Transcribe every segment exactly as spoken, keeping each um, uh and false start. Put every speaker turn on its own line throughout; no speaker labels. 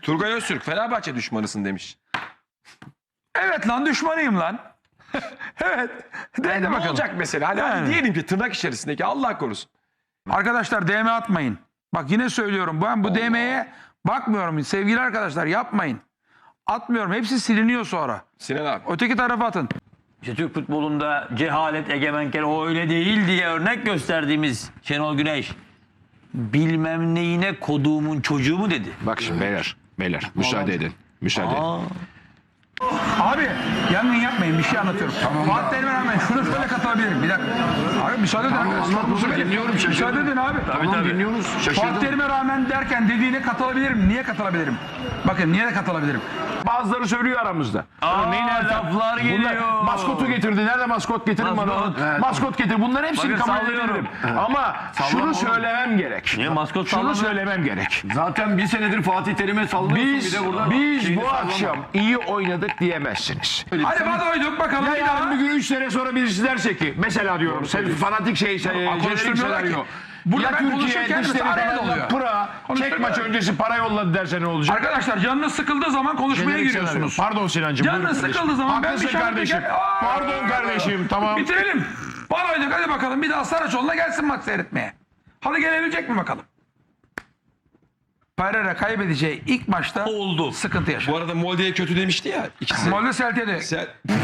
Turgay Öztürk Fenerbahçe düşmanısın demiş.
Evet lan düşmanıyım lan. Evet. De
Yani ne
bakalım.
olacak mesela? Hani, hani
Yani.
diyelim ki tırnak içerisindeki Allah korusun.
Arkadaşlar D M atmayın. Bak yine söylüyorum. Ben bu D M'ye bakmıyorum. Sevgili arkadaşlar yapmayın. Atmıyorum. Hepsi siliniyor sonra.
Sinan abi.
Öteki tarafa atın.
İşte Türk futbolunda cehalet egemenken o öyle değil diye örnek gösterdiğimiz Şenol Güneş bilmem neyine koduğumun çocuğu mu dedi?
Bak şimdi beyler, beyler müsaade edin. Müsaade edin.
Aa,
Abi yangın yapmayın. Bir şey anlatıyorum. Fatih Terim'e rağmen şunu şöyle katılabilirim. Bir dakika. Abi müsaade edin.
anlatmasın, dinliyorum, şaşırdım.
Müsaade edin abi.
Tamam dinliyoruz.
Fatih
Şaşırdım.
Terim'e rağmen derken dediğine katılabilirim. Niye katılabilirim? Bakın niye de katılabilirim?
Bazıları söylüyor aramızda.
Aa,
Örneğin Ertem.
laflar
Bunlar
geliyor.
maskotu getirdi. Nerede maskot getirin
Maskot.
bana. Maskot getir. Bunların hepsini
Bakın
kabul
sallıyorum.
edebilirim. Ama şunu söylemem gerek.
Niye maskot
Şunu
sallamıyor?
söylemem gerek.
Zaten bir senedir Fatih Terim'e sallıyorsun
Biz,
bir de burada.
biz
şeyini
bu
sallama.
akşam iyi oynadık diyemezsiniz.
Hadi bana uyduk bakalım
Ya
bir daha.
yarın bir gün üç sene sonra birisi derse ki mesela diyorum sen fanatik şey jenerik
konuşturmuyorlar
senaryo.
ki. Burada
Ya
ben
Türkiye
konuşurken
dışarı
mesela araya
falan
dalıyor.
Pıra çek
Konuşturmuyorlar.
maç öncesi para yolladı derse ne olacak?
Arkadaşlar canınız sıkıldığı zaman konuşmaya
Jenerik
giriyorsunuz.
senaryo. Pardon Sinancığım.
Canınız
buyurun kardeşim.
sıkıldığı zaman ben bir
Haklısın
şey
kardeşim.
anlatacağım. Aa!
Pardon kardeşim tamam.
Bitirelim. Bana uyduk hadi bakalım bir daha Saraçoğlu'na gelsin maç seyretmeye. Hadi gelebilecek mi bakalım? Pereira kaybedeceği ilk maçta
Oldu.
sıkıntı yaşadı.
Bu arada Molde'ye kötü demişti ya. İkisi.
Molde Celtia'de.
Sen...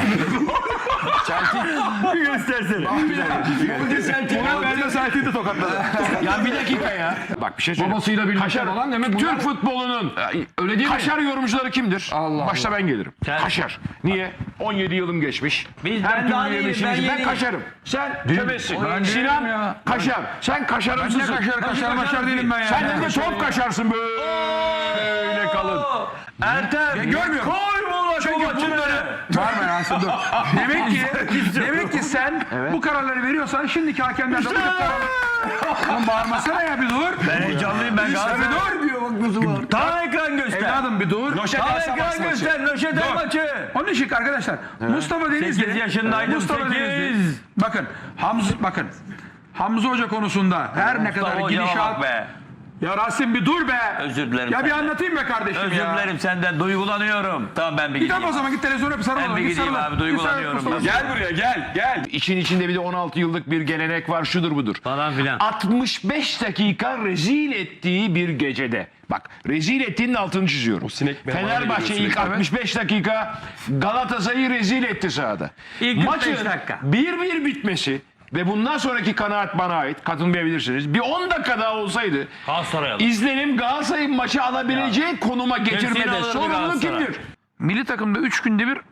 Göstersene.
Ben de Celtia'de tokatladı.
Ya bir dakika ya. Bak bir şey söyleyeyim.
Babasıyla birlikte
Kaşar,
olan demek bunlar-
Türk futbolunun
Öyle değil mi?
kaşar yorumcuları kimdir?
Allah
Başta
Allah.
ben gelirim.
Sen-
Kaşar. Niye? on yedi yılım geçmiş.
Biz-
Her
ben
türlü
daha iyiyim,
yemişim.
ben
Ben,
yeniyim.
kaşarım. Sen köbesin.
Ben değilim
Sinan
ya.
kaşar. Sen kaşarımsın.
Ne kaşar kaşar maşar değilim ben ya.
Sen de top kaşarsın böyle kalın.
Ertem.
Ya görmüyorum.
Koy bu
Çünkü
maçı
bunları... Var mı Rasim dur. Demek ki, demek ki sen bu kararları veriyorsan şimdiki hakemler de bu tip kararları... Oğlum bağırmasana ya bir dur.
Ben heyecanlıyım ben
Bir
Galatasaray.
dur.
diyor bak nasıl var.
Tam ekran göster.
Evladım bir dur.
Tam ekran göster. Nöşete maçı.
Onun için arkadaşlar Mustafa Denizli.
sekiz yaşındaydım,
Mustafa
sekiz.
Denizli. Bakın Hamza bakın. Hamza Hoca konusunda her ne kadar
Mustafa hocama
gidişat...
bak be.
Ya Rasim bir dur be.
Özür dilerim
Ya bir
senden.
anlatayım be kardeşim
Özür
ya.
dilerim senden. Duygulanıyorum. Tamam ben bir
Git
gideyim.
o zaman git televizyona bir sarıl.
Ben bir
git
gideyim
sarıl.
abi,
Git
duygulanıyorum
sarıl,
ben.
Mustafa.
Gel buraya gel gel.
İçin içinde bir de on altı yıllık bir gelenek var şudur budur.
Falan filan.
altmış beş dakika rezil ettiği bir gecede. Bak rezil ettiğinin altını çiziyorum.
O sinek memale
Fenerbahçe
geliyor
ilk
sürekli.
altmış beş dakika Galatasaray'ı rezil etti sahada.
İlk kırk beş
Maçın
dakika.
bir bir bitmesi ve bundan sonraki kanaat bana ait. Katılmayabilirsiniz. Bir on dakika daha olsaydı
Galatasaray'a.
izlenim Galatasaray'ın maçı alabileceği konuma getirmede
alırdı
sorumlu
Galatasaray.
kimdir?
Milli takımda üç günde bir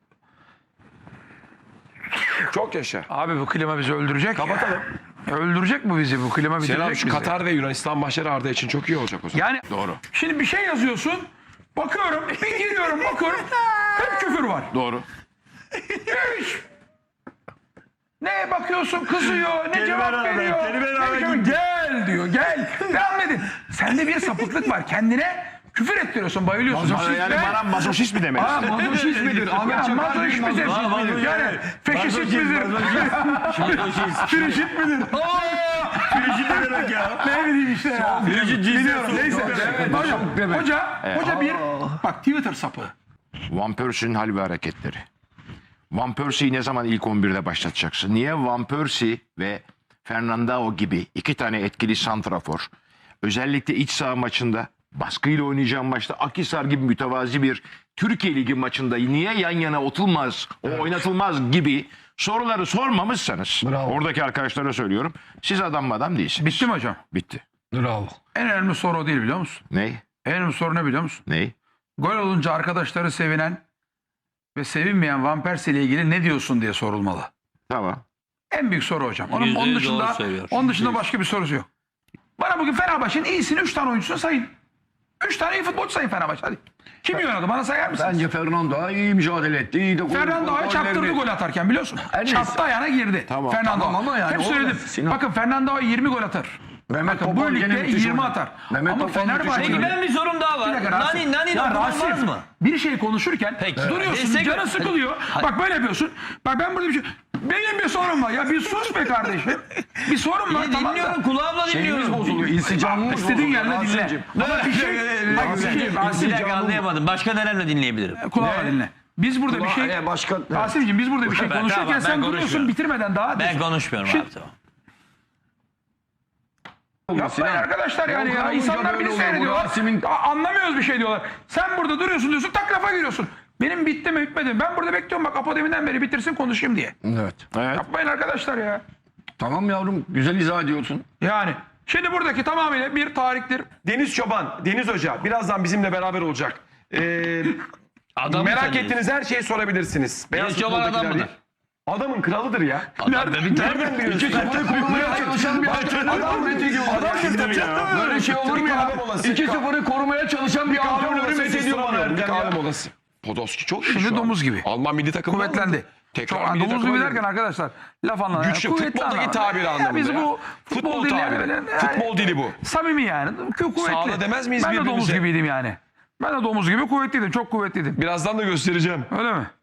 Çok yaşa.
abi bu klima bizi öldürecek. Kapatalım. Öldürecek mi bizi bu klima bitirecek
Selam
bizi.
şu Katar ve Yunanistan maçları Arda için çok iyi olacak o zaman.
Yani
Doğru.
şimdi bir şey yazıyorsun. Bakıyorum bir giriyorum bakıyorum. Hep küfür var.
Doğru.
Hiç. Ne bakıyorsun kızıyor, ne cevap
rağmen,
veriyor.
kelime
ne
rağmen
cevap- gel diyor, gel. Devam edin. Sende bir sapıklık var. Kendine küfür ettiriyorsun, bayılıyorsun.
Bana, yani bana mazoşist mi demelisin?
Aa, mazoşist midir? Ahmet Çakar mazoşist midir?
mazoşist.
Yani feşist midir? Frişit midir?
Firişit ne demek ya?
Ne bileyim işte ya.
Firişit
Biliyorum,
cinsiyet.
neyse. Hocam, hoca, hoca bir, bak Twitter sapı.
Van Persie'nin hal ve hareketleri. Van Persie'yi ne zaman ilk on birde başlatacaksın? Niye Van Persie ve Fernandao gibi iki tane etkili santrafor özellikle iç saha maçında baskıyla oynayacağım maçta Akhisar gibi mütevazi bir Türkiye Ligi maçında niye yan yana oturmaz, o oynatılmaz gibi soruları sormamışsanız
Bravo.
oradaki arkadaşlara söylüyorum. Siz adam adam değilsiniz.
Bitti mi hocam?
Bitti.
Bravo.
En önemli soru o değil biliyor musun?
Ney?
En önemli soru ne biliyor musun?
Ney?
Gol olunca arkadaşları sevinen ve sevinmeyen Van Persie ile ilgili ne diyorsun diye sorulmalı.
Tamam.
En büyük soru hocam. Onun,
Yüzde
onun
yüz
dışında,
doğru söylüyor.
onun dışında başka bir sorusu yok. Bana bugün Fenerbahçe'nin iyisini üç tane oyuncusunu sayın. üç tane iyi futbolcu sayın Fenerbahçe. Hadi. Kim iyi oynadı? Bana sayar mısınız?
Bence Fernando iyi mücadele etti. İyi de gol-
Fernando
gol-
Ağa'yı çarptırdı
gollerini-
gol atarken biliyorsun.
En iyisi.
Çarptı ayağına girdi.
Tamam,
Fernando
tamam ama yani
Hep
o-
söyledim.
Sinan.
Bakın Fernando Ağa yirmi gol atar.
Mehmet
Bakın bu
Topal gene
ligde
müthiş
yirmi
oynadı.
atar.
Mehmet
Ama
Topal müthiş
Fenerbahçe...
oynadı.
Benim bir sorum daha
Bir
var.
dakika Rasim.
Nani, Nani
Ya
dokunulmaz
Rasim,
mı?
bir şey konuşurken
Peki.
duruyorsun,
Destek-
canın sıkılıyor. Bak böyle yapıyorsun. Bak ben burada bir şey... Benim bir sorun var. Ya bir sus be kardeşim. Bir sorun var.
İyi,
Tamam da.
dinliyorum kulağımla
Şeyimiz
dinliyorum.
bozuluyor. İnsicamımız
İstediğin
bozuluyor.
yerine dinle.
Rasim'cim.
Ama bir şey... Bak bir şey...
Bir
Rasim'cim,
dakika anlayamadım. Başka nelerle dinleyebilirim?
kulağına dinle. Biz burada bir şey...
E, başka...
Rasim'cim biz burada bir şey
Ben-
konuşurken
tamam, ben
sen duruyorsun
konuşmuyorum.
bitirmeden daha...
Ben konuşmuyorum
Şimdi-
abi tamam.
Yapmayın arkadaşlar yani ya.
Volkan
İnsanlar
Hoca
beni
böyle olur.
seyrediyorlar.
Rasim'in-
A- Anlamıyoruz bir şey diyorlar. Sen burada duruyorsun diyorsun tak lafa giriyorsun. Benim bitti mi bitmedi mi? Ben burada bekliyorum bak Apo deminden beri bitirsin konuşayım diye.
Evet.
Yapmayın arkadaşlar ya.
Tamam yavrum. Güzel izah ediyorsun.
Yani şimdi buradaki tamamıyla bir tarihtir.
Deniz Çoban, Deniz Hoca birazdan bizimle beraber olacak. Ee,
Adam
merak ettiğiniz her şeyi sorabilirsiniz. Beyaz
Deniz Çoban adam
futboldakiler
mıdır?
değil. Adamın kralıdır ya.
Nereden bir
Nereden biliyorsun?
İki sıfırı korumaya çalışan bir antrenör.
Adam methediyor. Adam methediyor.
Böyle şey olur mu ya?
kahve molası.
iki sıfırı korumaya çalışan bir
Kahve
antrenörü
molası
methediyor bana
susturamıyorum. Bir
Erdem
kahve
ya.
molası. Podolski çok iyi
Şimdi
şu an.
domuz gibi.
Alman milli takımı
Kuvvetlendi.
Tekrar
Çok,
milli
domuz
takıma
gibi
girdi.
derken arkadaşlar laf anlamında.
Güçlü,
kuvvetli
futboldaki
anlamda.
tabiri
Ya
anlamında
Biz
ya.
bu futbol,
Futbol
dinleyen
tabiri.
yani-
Futbol dili bu.
Samimi yani. Kü- Kuvvetli.
Sağda demez miyiz
Ben de domuz
birbirimize?
gibiydim yani. Ben de domuz gibi kuvvetliydim. Çok kuvvetliydim.
Birazdan da göstereceğim.
Öyle mi?